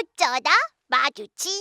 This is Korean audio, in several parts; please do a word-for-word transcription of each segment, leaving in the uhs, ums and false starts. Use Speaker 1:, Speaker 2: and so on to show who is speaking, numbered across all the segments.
Speaker 1: 어쩌다 마주친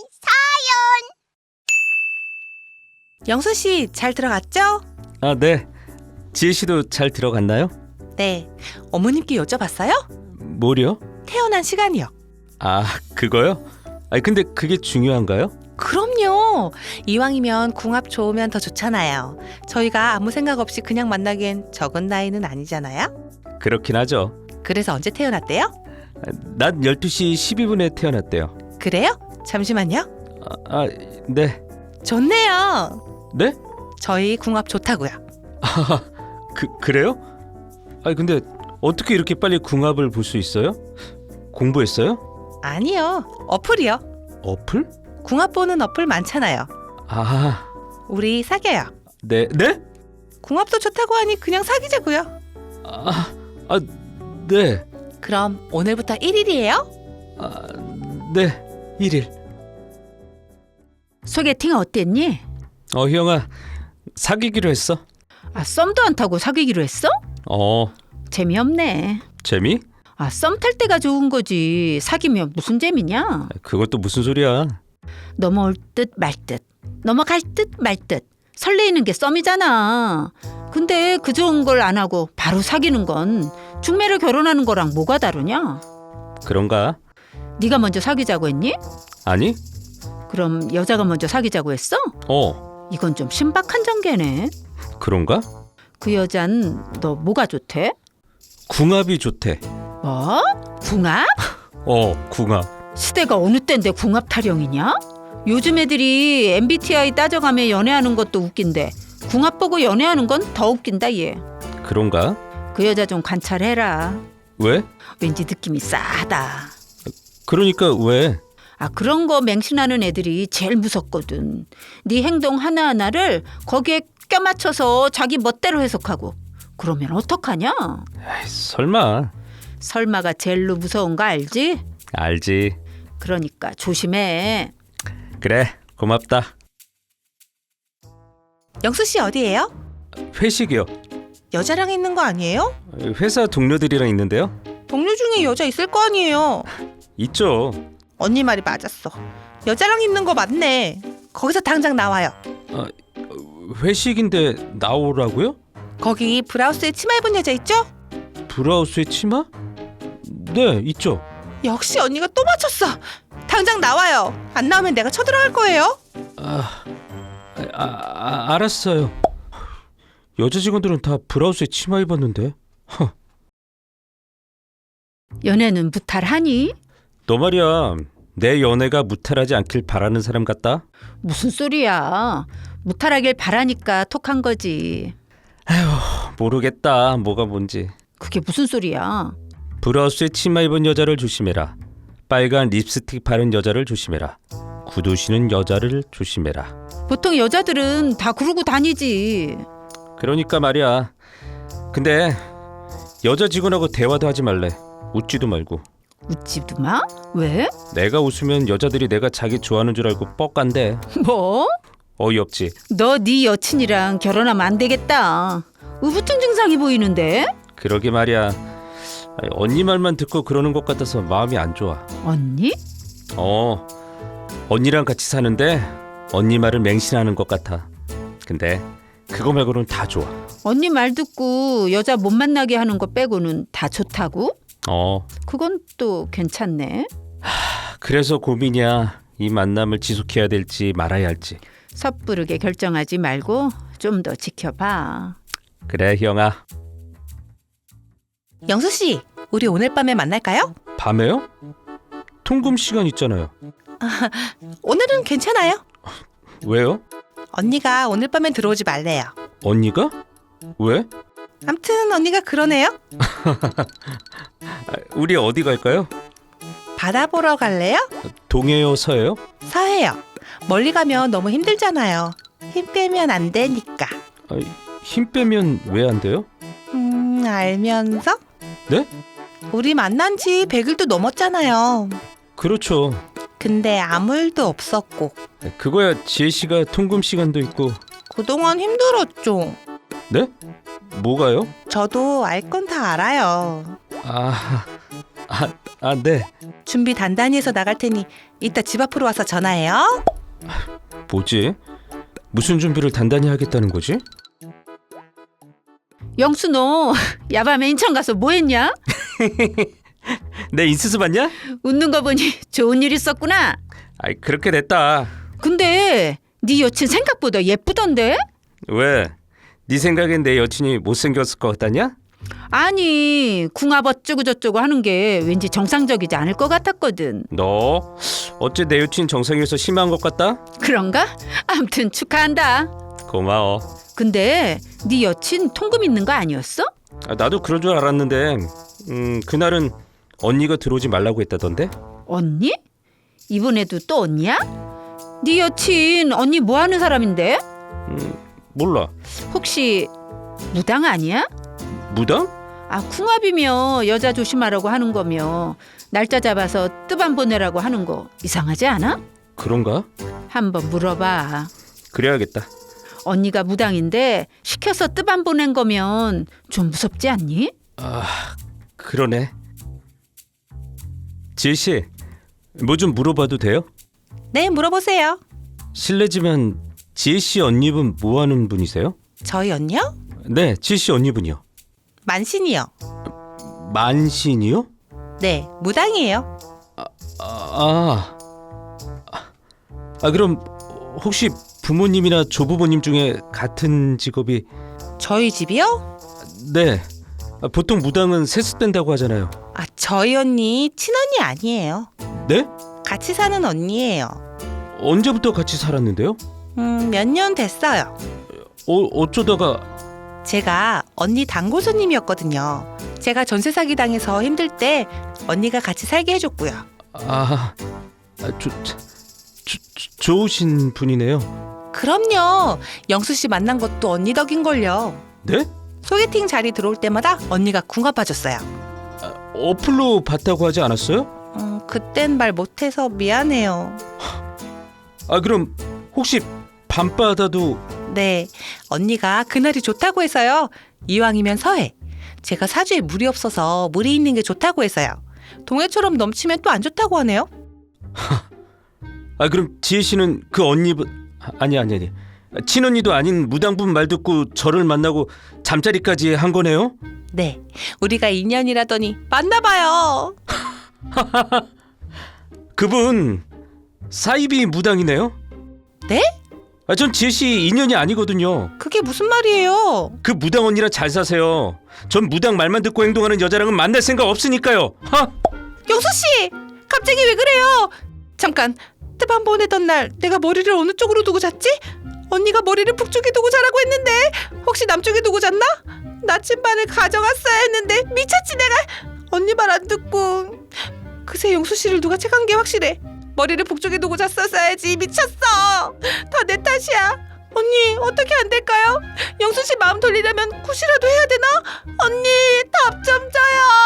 Speaker 2: 영수 씨, 잘 들어갔죠?
Speaker 3: 아, 네. 지혜 씨도 잘 들어갔나요?
Speaker 2: 네. 어머님께 여쭤봤어요?
Speaker 3: 뭐요?
Speaker 2: 태어난 시간이요.
Speaker 3: 아, 그거요? 아니 근데 그게 중요한가요?
Speaker 2: 그럼요. 이왕이면 궁합 좋으면 더 좋잖아요. 저희가 아무 생각 없이 그냥 만나기엔 적은 나이는 아니잖아요.
Speaker 3: 그렇긴 하죠.
Speaker 2: 그래서 언제 태어났대요?
Speaker 3: 낮 열두 시 십이 분에 태어났대요.
Speaker 2: 그래요? 잠시만요.
Speaker 3: 아, 아 네.
Speaker 2: 좋네요.
Speaker 3: 네?
Speaker 2: 저희 궁합 좋다고요.
Speaker 3: 아, 그, 그래요? 아니 근데 어떻게 이렇게 빨리 궁합을 볼 수 있어요? 공부했어요?
Speaker 2: 아니요. 어플이요.
Speaker 3: 어플?
Speaker 2: 궁합 보는 어플 많잖아요.
Speaker 3: 아,
Speaker 2: 우리 사귀어요.
Speaker 3: 네, 네?
Speaker 2: 궁합도 좋다고 하니 그냥 사귀자고요.
Speaker 3: 아, 아, 네.
Speaker 2: 그럼 오늘부터 일 일이에요?
Speaker 3: 아, 네. 일 일.
Speaker 4: 소개팅 어땠니?
Speaker 3: 어, 희영아. 사귀기로 했어?
Speaker 4: 아, 썸도 안 타고 사귀기로 했어?
Speaker 3: 어,
Speaker 4: 재미없네.
Speaker 3: 재미?
Speaker 4: 아, 썸 탈 때가 좋은 거지. 사귀면 무슨 재미냐?
Speaker 3: 그것도 무슨 소리야?
Speaker 4: 넘어올 듯 말 듯. 넘어갈 듯 말 듯. 설레이는 게 썸이잖아. 근데 그 좋은 걸 안 하고 바로 사귀는 건 중매를 결혼하는 거랑 뭐가 다르냐?
Speaker 3: 그런가?
Speaker 4: 네가 먼저 사귀자고 했니?
Speaker 3: 아니?
Speaker 4: 그럼 여자가 먼저 사귀자고 했어?
Speaker 3: 어,
Speaker 4: 이건 좀 신박한 전개네.
Speaker 3: 그런가?
Speaker 4: 그 여잔 너 뭐가 좋대?
Speaker 3: 궁합이 좋대.
Speaker 4: 뭐? 궁합?
Speaker 3: 어, 궁합.
Speaker 4: 시대가 어느 때인데 궁합 타령이냐? 요즘 애들이 엠비티아이 따져가며 연애하는 것도 웃긴데 궁합 보고 연애하는 건 더 웃긴다 얘.
Speaker 3: 그런가?
Speaker 4: 그 여자 좀 관찰해라.
Speaker 3: 왜?
Speaker 4: 왠지 느낌이 싸하다.
Speaker 3: 그러니까 왜?
Speaker 4: 아, 그런 거 맹신하는 애들이 제일 무섭거든. 네 행동 하나하나를 거기에 껴맞춰서 자기 멋대로 해석하고 그러면 어떡하냐?
Speaker 3: 에이, 설마.
Speaker 4: 설마가 제일로 무서운 거 알지?
Speaker 3: 알지.
Speaker 4: 그러니까 조심해.
Speaker 3: 그래, 고맙다.
Speaker 2: 영수 씨 어디예요?
Speaker 3: 회식이요.
Speaker 2: 여자랑 있는 거 아니에요?
Speaker 3: 회사 동료들이랑 있는데요.
Speaker 2: 동료 중에 여자 있을 거 아니에요.
Speaker 3: 있죠.
Speaker 2: 언니 말이 맞았어. 여자랑 있는 거 맞네. 거기서 당장 나와요.
Speaker 3: 아, 회식인데 나오라고요?
Speaker 2: 거기 브라우스에 치마 입은 여자 있죠?
Speaker 3: 브라우스에 치마? 네, 있죠.
Speaker 2: 역시 언니가 또 맞췄어. 당장 나와요. 안 나오면 내가 쳐들어갈 거예요.
Speaker 3: 아, 아, 아 알았어요. 여자 직원들은 다 브라우스에 치마 입었는데. 허.
Speaker 4: 연애는 무탈하니?
Speaker 3: 너 말이야, 내 연애가 무탈하지 않길 바라는 사람 같다?
Speaker 4: 무슨 소리야. 무탈하길 바라니까 톡한 거지.
Speaker 3: 모르겠다, 뭐가 뭔지.
Speaker 4: 그게 무슨 소리야.
Speaker 3: 브라우스에 치마 입은 여자를 조심해라. 빨간 립스틱 바른 여자를 조심해라. 구두 신은 여자를 조심해라.
Speaker 4: 보통 여자들은 다 그러고 다니지.
Speaker 3: 그러니까 말이야. 근데 여자 직원하고 대화도 하지 말래. 웃지도 말고.
Speaker 4: 웃지도 마? 왜?
Speaker 3: 내가 웃으면 여자들이 내가 자기 좋아하는 줄 알고 뻑간대.
Speaker 4: 뭐?
Speaker 3: 어이없지.
Speaker 4: 너 네 여친이랑 결혼하면 안 되겠다. 우부증 증상이 보이는데?
Speaker 3: 그러게 말이야. 아니, 언니 말만 듣고 그러는 것 같아서 마음이 안 좋아.
Speaker 4: 언니?
Speaker 3: 어, 언니랑 같이 사는데 언니 말을 맹신하는 것 같아. 근데 그거 말고는 다 좋아.
Speaker 4: 언니 말 듣고 여자 못 만나게 하는 거 빼고는 다 좋다고?
Speaker 3: 어,
Speaker 4: 그건 또 괜찮네.
Speaker 3: 그래서 고민이야. 이 만남을 지속해야 될지 말아야 할지.
Speaker 4: 섣부르게 결정하지 말고 좀 더 지켜봐.
Speaker 3: 그래, 희영아.
Speaker 2: 영수 씨, 우리 오늘 밤에 만날까요?
Speaker 3: 밤에요? 통금 시간 있잖아요.
Speaker 2: 오늘은 괜찮아요.
Speaker 3: 왜요?
Speaker 2: 언니가 오늘 밤엔 들어오지 말래요.
Speaker 3: 언니가? 왜?
Speaker 2: 암튼 언니가 그러네요.
Speaker 3: 아, 우리 어디 갈까요?
Speaker 2: 바다 보러 갈래요?
Speaker 3: 동해요, 서해요?
Speaker 2: 서해요. 멀리 가면 너무 힘들잖아요. 힘 빼면 안 되니까.
Speaker 3: 아, 힘 빼면 왜 안 돼요?
Speaker 2: 음, 알면서?
Speaker 3: 네?
Speaker 2: 우리 만난 지 백 일도 넘었잖아요.
Speaker 3: 그렇죠.
Speaker 2: 근데 아무 일도 없었고
Speaker 3: 그거야 지혜 씨가 통금 시간도 있고.
Speaker 2: 그동안 힘들었죠.
Speaker 3: 네? 뭐가요?
Speaker 2: 저도 알 건 다 알아요.
Speaker 3: 아, 아, 아, 네.
Speaker 2: 준비 단단히 해서 나갈 테니 이따 집 앞으로 와서 전화해요.
Speaker 3: 뭐지? 무슨 준비를 단단히 하겠다는 거지?
Speaker 4: 영수 너 야밤에 인천 가서 뭐 했냐?
Speaker 3: 내 인스스 봤냐?
Speaker 4: 웃는 거 보니 좋은 일 있었구나.
Speaker 3: 아이, 그렇게 됐다.
Speaker 4: 근데 네 여친 생각보다 예쁘던데?
Speaker 3: 왜? 네 생각엔 내 여친이 못생겼을 것 같다냐?
Speaker 4: 아니 궁합 어쩌고 저쩌고 하는 게 왠지 정상적이지 않을 것 같았거든.
Speaker 3: 너 어째 내 여친 정상에서 심한 것 같다?
Speaker 4: 그런가? 아무튼 축하한다.
Speaker 3: 고마워.
Speaker 4: 근데 네 여친 통금 있는 거 아니었어?
Speaker 3: 아, 나도 그럴 줄 알았는데 음, 그날은 언니가 들어오지 말라고 했다던데?
Speaker 4: 언니? 이번에도 또 언니야? 네 여친 언니 뭐 하는 사람인데?
Speaker 3: 음, 몰라.
Speaker 4: 혹시 무당 아니야?
Speaker 3: 무당?
Speaker 4: 아 궁합이며 여자 조심하라고 하는 거며 날짜 잡아서 뜨밤 보내라고 하는 거 이상하지 않아?
Speaker 3: 그런가?
Speaker 4: 한번 물어봐.
Speaker 3: 그래야겠다.
Speaker 4: 언니가 무당인데 시켜서 뜨밤 보낸 거면 좀 무섭지 않니?
Speaker 3: 아, 그러네. 지혜씨, 뭐 좀 물어봐도 돼요?
Speaker 2: 네, 물어보세요.
Speaker 3: 실례지만 지혜씨 언니분 뭐 하는 분이세요?
Speaker 2: 저희 언니요?
Speaker 3: 네, 지혜씨 언니분이요.
Speaker 2: 만신이요.
Speaker 3: 만신이요?
Speaker 2: 네, 무당이에요.
Speaker 3: 아, 아, 아 그럼 혹시 부모님이나 조부모님 중에 같은 직업이?
Speaker 2: 저희 집이요?
Speaker 3: 네, 아, 보통 무당은 세습된다고 하잖아요.
Speaker 2: 아, 저희 언니 친언니 아니에요.
Speaker 3: 네?
Speaker 2: 같이 사는 언니예요.
Speaker 3: 언제부터 같이 살았는데요?
Speaker 2: 음, 몇 년 됐어요.
Speaker 3: 어, 어쩌다가?
Speaker 2: 제가 언니 단골 손님이었거든요. 제가 전세 사기 당해서 힘들 때 언니가 같이 살게 해줬고요.
Speaker 3: 아, 아 조, 조, 조, 좋으신 분이네요.
Speaker 2: 그럼요. 영수 씨 만난 것도 언니 덕인걸요.
Speaker 3: 네?
Speaker 2: 소개팅 자리 들어올 때마다 언니가 궁합 봐줬어요.
Speaker 3: 아, 어플로 봤다고 하지 않았어요?
Speaker 2: 음, 그땐 말 못해서 미안해요.
Speaker 3: 아 그럼 혹시 밤바다도?
Speaker 2: 네, 언니가 그날이 좋다고 해서요. 이왕이면 서해. 제가 사주에 물이 없어서 물이 있는 게 좋다고 해서요. 동해처럼 넘치면 또 안 좋다고 하네요.
Speaker 3: 아 그럼 지혜 씨는 그 언니분 아니 아니 아니 친언니도 아닌 무당분 말 듣고 저를 만나고 잠자리까지 한 거네요?
Speaker 2: 네, 우리가 인연이라더니 만나봐요.
Speaker 3: 그분 사이비 무당이네요?
Speaker 2: 네?
Speaker 3: 아, 전 지혜 씨 인연이 아니거든요.
Speaker 2: 그게 무슨 말이에요?
Speaker 3: 그 무당 언니랑 잘 사세요. 전 무당 말만 듣고 행동하는 여자랑은 만날 생각 없으니까요. 하?
Speaker 2: 영수 씨, 갑자기 왜 그래요? 잠깐, 뜨밤 보내던 날 내가 머리를 어느 쪽으로 두고 잤지? 언니가 머리를 북쪽에 두고 자라고 했는데 혹시 남쪽에 두고 잤나? 나침반을 가져갔어야 했는데 미쳤지 내가. 언니 말 안 듣고. 그새 영수 씨를 누가 채간 게 확실해. 머리를 북쪽에 두고 잤었어야지. 미쳤어. 다 내 탓이야. 언니 어떻게 안 될까요? 영수 씨 마음 돌리려면 굿이라도 해야 되나? 언니 답 좀 줘요.